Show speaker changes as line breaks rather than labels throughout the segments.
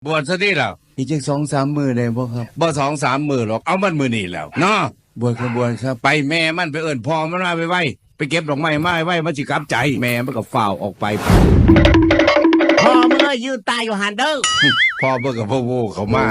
บวชซะที่แล้ว
อีกจัก2-3 มื้อได้บ่ครับ
บ่2-3 มื้อหรอกเอามันมื้อนี้แล้วเนาะ
บวชบวชครับ
ไปแม่มันไปเอิ้นพ่อมันมาไว้ไปเก็บดอกไม้มาไว้มันสิกลับใจแม่มันก็ฝ้าวออกไป
พ่อเมื่อยืนตายอยู่หันเด้อ
พ่อเบิ่งกับพ่อโวเขามา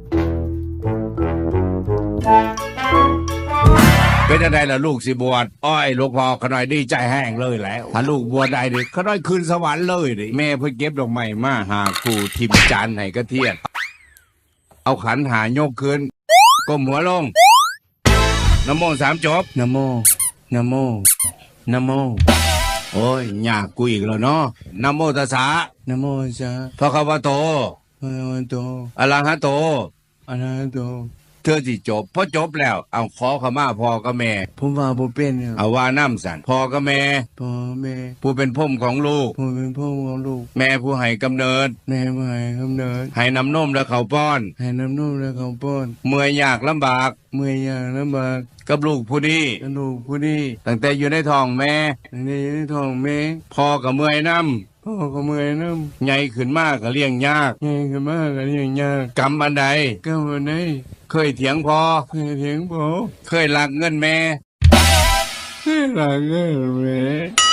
เป็นจังไดล่ะลูกสิบวชอ้อยหลวงพ่อขน้อยดีใจแห้งเลยแล้วถ้าลูกบวชได้ดิขน้อยขึ้นสวรรค์เลยดิแม่เพิ่นเก็บดอกไม้มาหาครูทิมจานให้กระเทียนเอาขันหายกขึ้นก้มหัวลงนะโม3 จบ
นะโมนะโมนะโม
โอ้ยยากกูอีกแล้วเนาะนะโมตัสสะ
นะโมจ้า
พระคะวะโต
พระวันโต
อะระหะโต
อะระหะโต
เธอสิจบพอจบแล้วเอาขอขมาพ่อกับแม่
ผมว่าบ่เป็นครับ
เอาว่าน้ำสันพ่อกับแม่
พ่อแม่
ผู้เป็นพ่อของลูก
ผมเป็นพ่อของลูก
แม่ผู้ให้กำเนิด
แม่ผู้ให้กำเนิด
ให้น้ำนมและข้าวป้อน
ให้น้ำนมและข้าวป้อน
เมื่อยยากลำบาก
เมื่อยยากลำบาก
กับลูกผู้นี้
กับลูกผู้นี้
ตั้งแต่อยู่ในท้องแม่
ตั้งแต่อยู่ในท้องแม่
พ่อก็เมื่อยน้
พ่อก็เมื่อยน้
ำใหญ่ขึ้นมากก็เลี้ยงยาก
ใหญ่ขึ้นมากก็เลี้ยงยาก
กรรมอันใด
อันใด
เคยเถียงพ่อ
เคยเถียงพ่อ
เคยลักเงินแม่
เคยลักเงินแม่